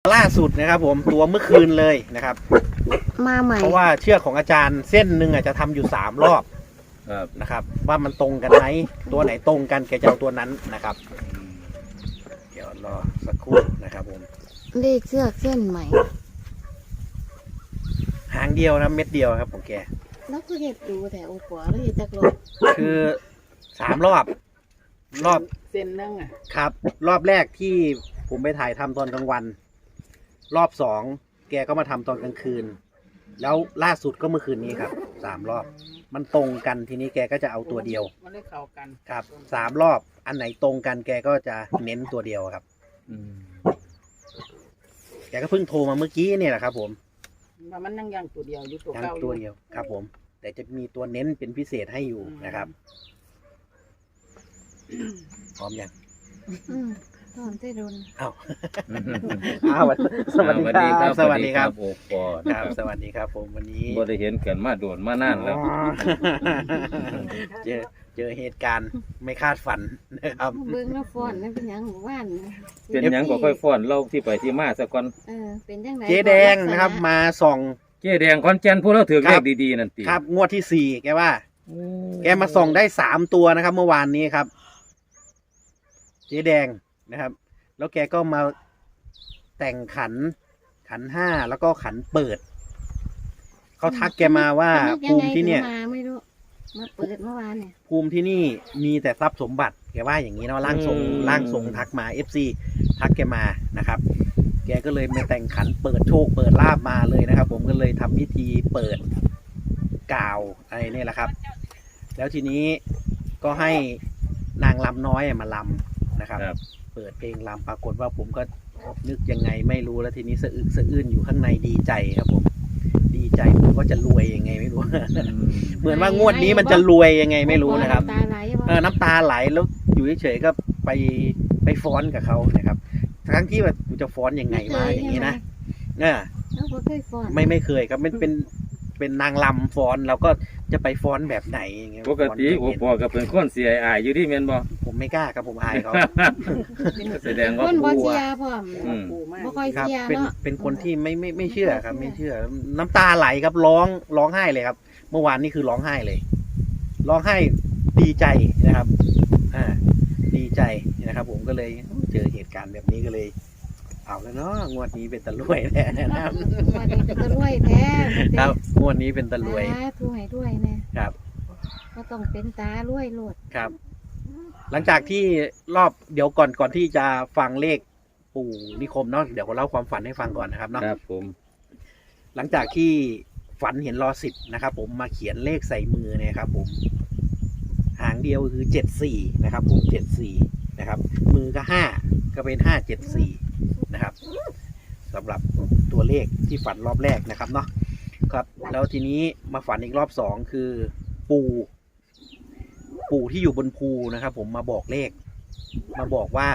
ล่าสุดนะครับผมตัวเมื่อคืนเลยนะครับมาใหม่เพราะว่าเชือกของอาจารย์เส้นหนึ่งจะทำอยู่3 รอบนะครับว่ามันตรงกันไหมตัวไหนตรงกันแกจะเอาตัวนั้นนะครับเดี๋ยวรอสักครู่นะครับผมเลขเชือกเส้นใหม่หางเดียวนะเม็ดเดียวครับของแกแล้วก็เห็ดดูแต่โอ้โหแล้วเห็ดจักรอบคือ3 รอบเส้นนึงอ่ะครับรอบแรกที่ผมไปถ่ายทำตอนกลางวันรอบ2แกก็มาทำตอนกลางคืนแล้วล่าสุดก็เมื่อคืนนี้ครับ3 รอบมันตรงกันทีนี้แกก็จะเอาตัวเดียวมันได้เข้ากันครับ3 รอบอันไหนตรงกันแกก็จะเน้นตัวเดียวครับแกก็เพิ่งโทรมาเมื่อกี้เนี่ยแหละครับผมว่ามันนั่งยังตัวเดียวอยู่ตัวเก่าตัวเดียวครับผมแต่จะมีตัวเน้นเป็นพิเศษให้อยู่นะครับพร้อมยังตอนที่โดนอ้าวสวัสดีครับสวัสดีครับโอ้ปอครับสวัสดีครับผมวันนี้บ่ได้เห็นกันมาโดนมานานแล้วเจอเหตุการณ์ไม่คาดฝันนะครับเบิ้งแล้วฟอนนั่นเป็นยังหมู่บ้านเป็นยังก็ค่อยฟ้อนเล่าที่ไปที่มาซะก่อนเป็นยังไงเจ๊แดงนะครับมาส่องเจ๊แดงคอนแก่นพวกเราถือเลขดีๆนั่นติครับงวดที่4แกว่าแกมาส่องได้3 ตัวนะครับเมื่อวานนี้ครับเจ๊แดงนะครับแล้วแกก็มาแต่งขัน 5แล้วก็ขันเปิดเขาทักแกมาว่าภูมิที่เนี่ยไม่รู้มาเปิดเมื่อวานเนี่ยภูมิที่นี่มีแต่ทรัพย์สมบัติแกว่าอย่างนี้เนาะร่างทรงทักมา FC ทักแกมานะครับแกก็เลยมาแต่งขันเปิดโชคเปิดลาบมาเลยนะครับผมก็เลยทำพิธีเปิดกล่าวอะไรนี่แหละครับแล้วทีนี้ก็ให้นางลำน้อยมาลำนะครับเปิดเพลงรำปรากฏว่าผมก็นึกยังไงไม่รู้แล้วทีนี้สะอึกสะอื้นอยู่ข้างในดีใจครับผมดีใจผมก็จะรวยยังไงไม่รู้ เหมือนว่างวดนี้มันจะรวยยังไงไม่รู้นะครับน้ำตาไหลแล้วอยู่เฉยๆก็ไปฟ้อนกับเขานะครับทั้งที่ว่ากูจะฟ้อนยังไงมาอย่างนี้นะไม่เคยครับมันเป็นนางลำฟ้อนเราก็จะไปฟ้อนแบบไหนอย่างเงี้ยปกติโอ้ปอก็เป็นคนเสียอายอยู่ที่แม่นบ่ผมไม่กล้าครับผมอายเขาแสดงว่าคนบ่เสียพ่อบ่ค่อยเสียเนาะเป็นคนที่ไม่เชื่อครับไม่เชื่อน้ำตาไหลครับร้องไห้เลยครับเมื่อวานนี่คือร้องไห้เลยร้องไห้ดีใจนะครับดีใจนะครับผมก็เลยเจอเหตุการณ์แบบนี้ก็เลยเอาแล้วเนาะงวดนี้เป็นตะลุยแท้นะครับงวดนี้เป็นตะลุยแท้ครับงวดนี้เป็นตะลุยด้วยนะครับก็ต้องเป็นตาลุยโลดครับหลังจากที่รอบเดี๋ยวก่อนที่จะฟังเลขปู่นิคมเนาะเดี๋ยวผมเล่าความฝันให้ฟังก่อนนะครับเนาะครับผมหลังจากที่ฝันเห็นรอ10นะครับผมมาเขียนเลขใส่มือเนี่ยครับผมหางเดียวคือ74นะครับผม74นะครับมือก็5ก็เป็น574นะครับสำหรับตัวเลขที่ฝันรอบแรกนะครับเนาะครับแล้วทีนี้มาฝันอีกรอบ2คือปู่ที่อยู่บนภูนะครับผมมาบอกเลขมาบอกว่า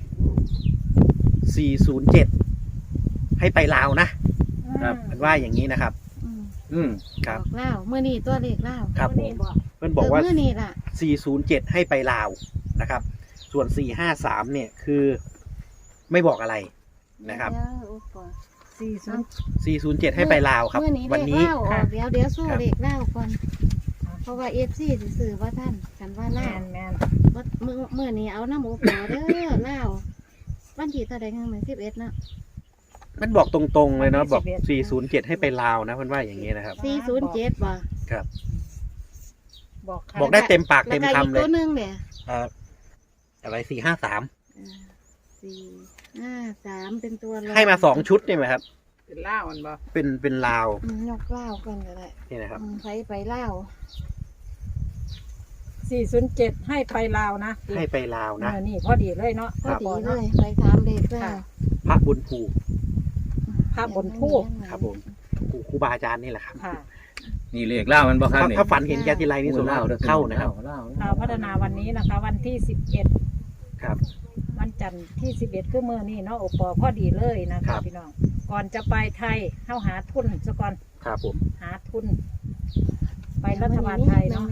407ให้ไปลาวนะครับมันว่าอย่างนี้นะครับครับลาวเมื่อนี้ตัวเลขลาวครับผมเพื่อนบอกว่าเมื่อนี้ล่ะ407ให้ไปลาวนะครับส่วน453เนี่ยคือไม่บอกอะไรนะครับ407ให้ไปลาวครับวันนี้เดี๋ยวสู้เลขลาวก่อนเพราะว่าFCสิซื้อว่าท่านกันว่าลาวว่าเมื่อนี้เอาน้ำหมูปลาเด้อลาววันที่เท่าใดกันมื้อ11เนาะมันบอกตรงๆเลยเนาะบอก407ให้ไปลาวนะเพื่อนว่าอย่างนี้นะครับ 407บ่ครับบอกได้เต็มปากเต็มคำเลยตัวนึงเนี่ยอะไร453 เป็นตัวให้มา2 ชุดใช่ไหมครับเป็นล่าวมันบ่เป็นลาวยกล่าวกันก็ได้นี่นะครับไปลาว 407ให้ไปลาวนะให้ไปลาวนะนี่พอดีเลยเนาะพอดีเลยไปถามเด็กว่าพระบนภูครับผมครูบาอาจารย์นี่แหละครับนี่เลขเล่ามันบ่ครับถ้าฝันเห็นแกทีไรนี่สุดเข้านะครับเราพัฒนาวันนี้นะคะวันที่11 ครับวันจันทร์ที่11คือมื้อนี้เนาะโอปอพอดีเลยนะคะพี่น้องก่อนจะไปไทยเข้าหาทุนซะก่อนครับผมหาทุนไปรัฐบาลไทยเนาะ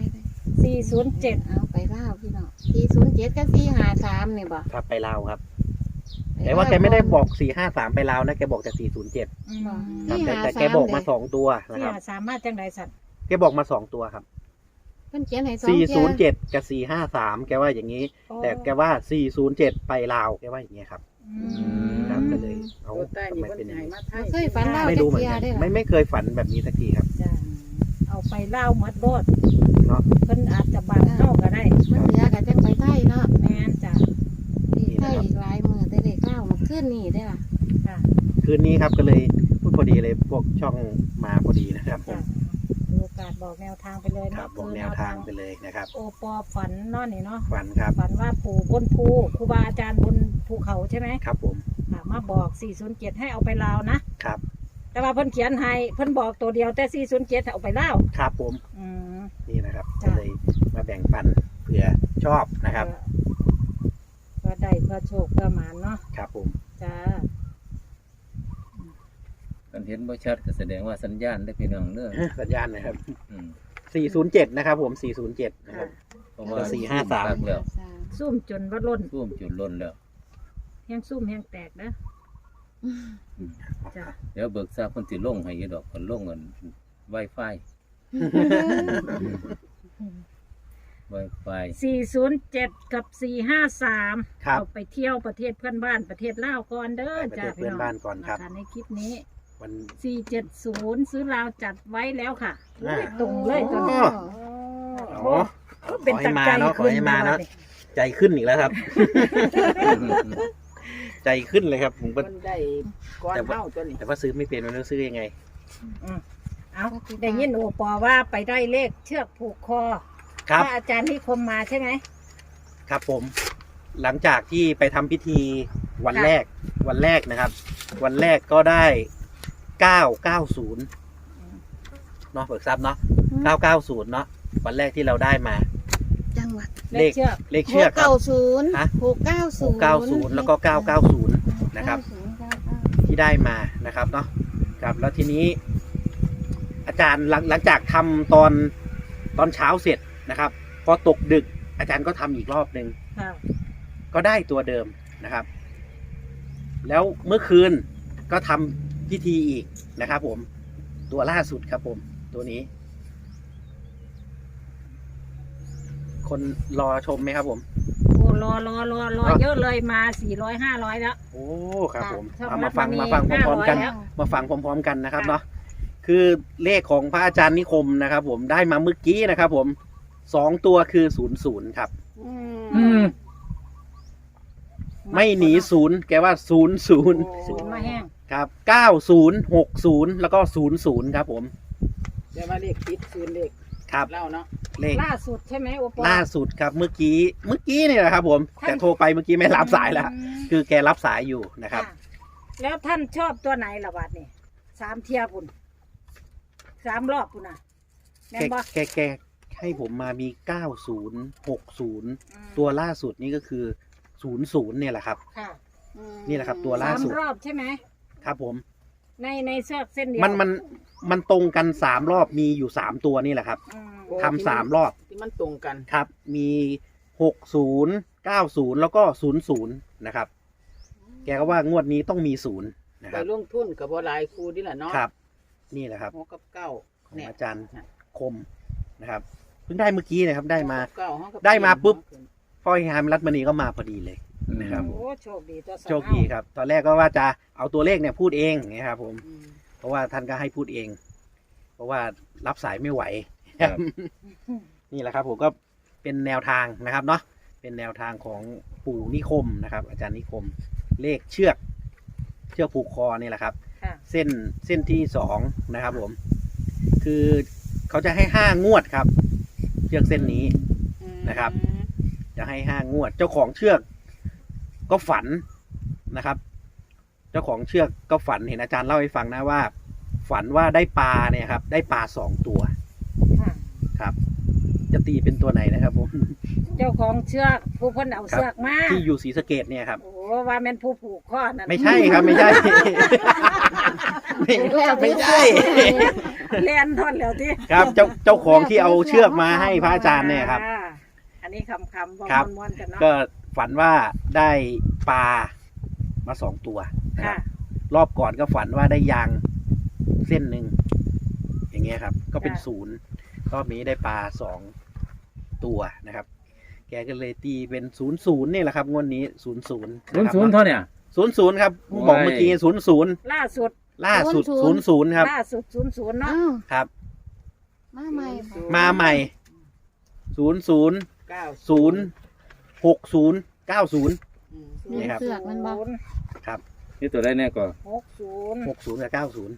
407 เอาไปลาวพี่น้อง407กับ453นี่บ่ครับไปลาวครับไปแต่ว่าแกไม่ได้บอก453ไปลาวนะแกบอกแต่407 อืมครับนี่แต่ 53 แกบอกมา2ตัวนะที่ครับหาสามารถจังไดสัตว์แกบอกมา2ตัวครับเพิ่นเขียนให้2เที่ย 407กับ453แกว่าอย่างนี้ แต่แกว่า407ไปลาวแกว่าอย่างนี้ครับอืมครับก็เลยเอาตัวใต้ทำนี่ไมเพิ่เป็นนอย่างให้นี้มาไทบ่ยเคยฝันเล่าไม่จัรู้กเหมือนเที่ยกันได้อไม่เคยฝันแบบนี้สักทีครับจ้ะเอาไปเล่าหมดโลดเนาะเพิ่นอาจจะบางเข้าก็ได้มันเหลือก็จังไปไทยเนาะแม่นจ้ะที่ไทยอีกหลายมื้อแต่เด็กเล่ามาขึ้นนี่ได้อล่ะจ้ะคืนนี้ครับก็เลยพูดพอดีเลยพวกช่องมาพอดีนะครับผมจ้ะดูโอกาสบอกแนวทางไปเลยครัเนาะบบอกแนวทางไปเลยนะครับโอปอฝันเนาะนี่เนาะฝันครับฝันว่าปู่บนภูครูบาอาจารย์บนภูเขาใช่ไหมครับผมมาบอก 407 ให้เอาไปลาวนะครับแต่ว่าเพิ่นเขียนให้เพิ่นบอกตัวเดียวแต่ 407เอาไปลาวครับผมอืมนี่นะครับจ้ะก็เลยมาแบ่งปันเผื่อชอบนะครับเพื่อได้เพื่อโชคเพื่อหมานเนาะครับผมจ้ากันเห็นบ่ชัดก็แสดงว่าสัญญาณได้พี่น้องเด้อสัญญาณนะครับอืม 407นะครับผม407นะครับเพราะว่าแล้วก็453 ครับแล้วซุ่มจนว่าล้นท่วมจุดล้นแล้วแห้งซุ่มแห้งแตกนะจ้าเดี๋ยวเบิกทราบเพิ่นสิลงให้อยู่ดอกเพิ่นลงเงิน Wi-Fi Wi-Fi 407 กับ 453 ครับเอาไปเที่ยวประเทศเพื่อนบ้านประเทศลาวก่อนเด้อไปประจ้าเทศเพื่อนบ้านก่อนครับะะในคลิปนี้วัน 470 ซื้อลาวจัดไว้แล้วค่ะอ่าตรงเลยตอนนี้อ๋อขอให้มาเนาะขอให้มาเนาะใจขึ้นอีกแล้วครับ ใจขึ้นเลยครับผมก็เพิ่นได้ก้อนเฮาตัวนี้แต่ว่าซื้อไม่เป็นมันต้องซื้อยังไงเอาได้ยินโอปอว่าไปได้เลขเชือกผูกคอครับพระอาจารย์นิคมมาใช่ไหมครับผม หลังจากที่ไปทำพิธีวันแรกนะครับ วันแรกก็ได้990เนาะเบิกทรัพย์เนาะ990เนาะวันแรกที่เราได้มาจังหวัดเลขเชือกเลขเชือกครับ 690 ฮะ 690 แล้วก็990นะครับ 990 ที่ได้มานะครับเนาะครับแล้วทีนี้ อาจารย์หลังจากทำตอนเช้าเสร็จนะครับ พอตกดึกอาจารย์ก็ทำอีกรอบหนึ่งค่ะก็ได้ตัวเดิมนะครับ แล้วเมื่อคืนก็ทำพิธีอีกนะครับผมตัวล่าสุดครับผมตัวนี้ คนรอชมไหมครับผมโอ้รอเยอะเลยมา400-500แล้วโอ้ครับผมค่ะเอามาฟังชอบมาฟังพร้อมๆกัน 500แล้วมาฟังพร้อมๆกันนะครับค่ะเนาะคือเลขของพระอาจารย์นิคมนะครับ ผมได้มาเมื่อกี้นะครับ ผม2ตัวคือ00ครับอืมไม่หนี0แกว่า00 ศูนย์มาแห้งครับ9060แล้วก็00ครับผมเดี๋ยวมาเลขติดศูนย์เลขครับเล่าเนาะเลขล่าสุดใช่ไหมโอปอล่าสุดครับเมื่อกี้เนี่ยนะครับ ผมท่านแต่โทรไปเมื่อกี้ไม่รับสายแล้วอืมคือแกรับสายอยู่นะครับค่ะแล้วท่านชอบตัวไหนล่ะบัดนี่3 เทียปุ่น3 รอบปุ่นน่ะแม่นบ่แกให้ผมมามี9060ตัวล่าสุดนี่ก็คือ00เนี่ยแหละครับค่ะนี่แหละครับตัวล่าสุด 3 รอบใช่ไหมครับผมในเชือกเส้นเดียวมันตรงกัน3รอบมีอยู่3ตัวนี่แหละครับอืมทำ3รอบที่มันตรงกันครับ มี60 90แล้วก็00นะครับ แกก็ว่างวดนี้ต้องมี0นะคไปรับลงทุนกับบ่หลายครูนี่แหละเนาะครับ นี่แหละครับ 6กับ9 ของเนี่ยอาจารย์เนี่ยคมนะครับเพิ่งได้เมื่อกี้นะครับ ได้มา 6กับ9 6กับได้มาปุ๊บ พ่อฮามรัตมณีก็มาพอดีเลยนะครับโอ้โชคดีตัวสาวโชคดีครับ ตอนแรกก็ว่าจะเอาตัวเลขเนี่ยพูดเองนะครับผมอืมเพราะว่าท่านก็ให้พูดเอง เพราะว่ารับสายไม่ไหวครับนี่แหละครับ ผมก็เป็นแนวทางนะครับเนาะเป็นแนวทางของปู่นิคมนะครับ อาจารย์นิคม เลขเชือกผูกคอนี่แหละครับค่ะเส้นที่2นะครับ ผม คือเขาจะให้5 งวดครับ เชือกเส้นนี้ นะครับ จะให้5 งวด เจ้าของเชือกก็ฝันนะครับ เจ้าของเชือกก็ฝันเห็นอาจารย์เล่าให้ฟังนะว่า ฝันว่าได้ปลาเนี่ยครับ ได้ปลา2 ตัวค่ะครับ จะตีเป็นตัวไหนนะครับผมเจ้าของเชือกผู้เพ้นเอาเชือกมาที่อยู่ศรีสะเกดเนี่ยครับโอ้ว่าแม่นผู้ผูกข้อนั่นไม่ใช่ครับไม่ใช่ ไม่ใช่เลียนทอนแล้วที่ครับเจ้าของที่เอาเชือกมาให้พระอาจารย์เนี่ยครับอันนี้คำบอกครับม้วนๆกันเนาะก็ฝันว่าได้ปลามาสองตัวนะคค่ะรับรอบก่อนก็ฝันว่าได้ยางเส้นหนึ่งอย่างเงี้ยครับ ก็เป็นศูนย์รอบนี้ได้ปลา2 ตัวนะครับ แกก็เลยตีเป็น00นี่แหละครับงวดนี้00 00เท่าเนี่ย 00ครับบอกเมื่อกี้00 ล่าสุดล่าสุด00ครับล่าสุด00เนาะอ้าวครับมาใหม่บ่มาใหม่00 90 60 90 อืมนี่ครับเสือกมันบ่ครับนี่ตัวได้แน่ก่อน 60 60กับ90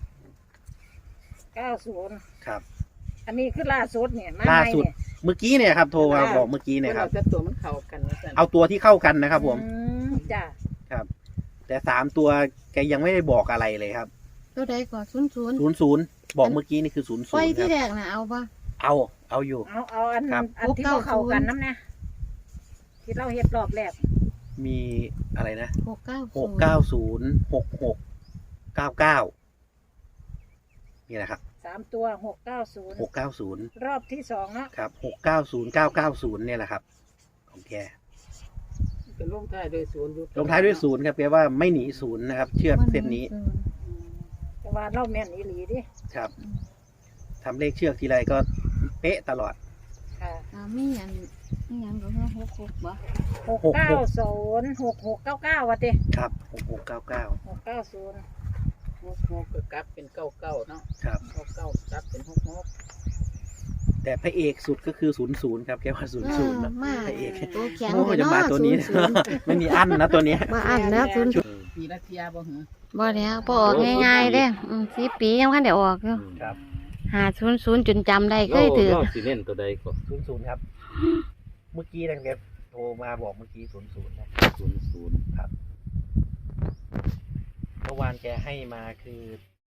90 ครับอันนี้คือล่าสุดเนี่ยมาล่าใหม่สุดเนี่ยเมื่อกี้เนี่ยครับโทรมาบอกเมื่อกี้เนี่ยครับแต่ตัวมันเข้ากันนะจ๊ะเอาตัวที่เข้ากันนะครับผมจ้ะครับ แต่3 ตัวแกยังไม่ได้บอกอะไรเลยครับตัวใดก่อน00 00บอกเมื่อกี้นี่คือ00 ไว้คที่รับแรกน่ะเอาบ่เอาอยู่เอาอันครับอันที่บ่เข้ากันน้ำนะที่เราเฮ็ดรอบแรกมีอะไรนะ 690 690 66 99นี่แหละครับ 3 ตัว690 690 รอบที่2เนาะครับ690 990เนี่ยแหละครับ ของแกเป็นลงท้ายด้วยศูนย์อยู่ลงท้ายด้วย0ครับแปลว่าไม่หนี0นะครับ เชือกเส้นนี้แต่ว่าเราแม่นอีหลีดิครับทำเลขเชือกทีไรก็เป๊ะตลอดค่ะมีอันมีหยังก็คือ66บ่ 690 6699ว่าติครับ6699 690 66ก็กลับเป็น99เนาะครับ 69กลับเป็น66 แต่พระเอกสุดก็คือ00ครับแกว่า00นะมาพระเอกตัวแข็งโอ้จะมาตัวนี้ 00 ไม่มีอั้นนะตัวเนี้ยมาอันแล้ว0 ปีละเทียบ่หือบ่แล้วบ่ออกง่ายๆเด้4 ปียังคันได้ออกอยู่ครับ 500จนจำได้เคยถือเราสิเน้นตัวใดก่อน 00ครับ เมื่อกี้นะแกโทรมาบอกเมื่อกี้00นะ 00 ครับเมื่อวานแกให้มาคือ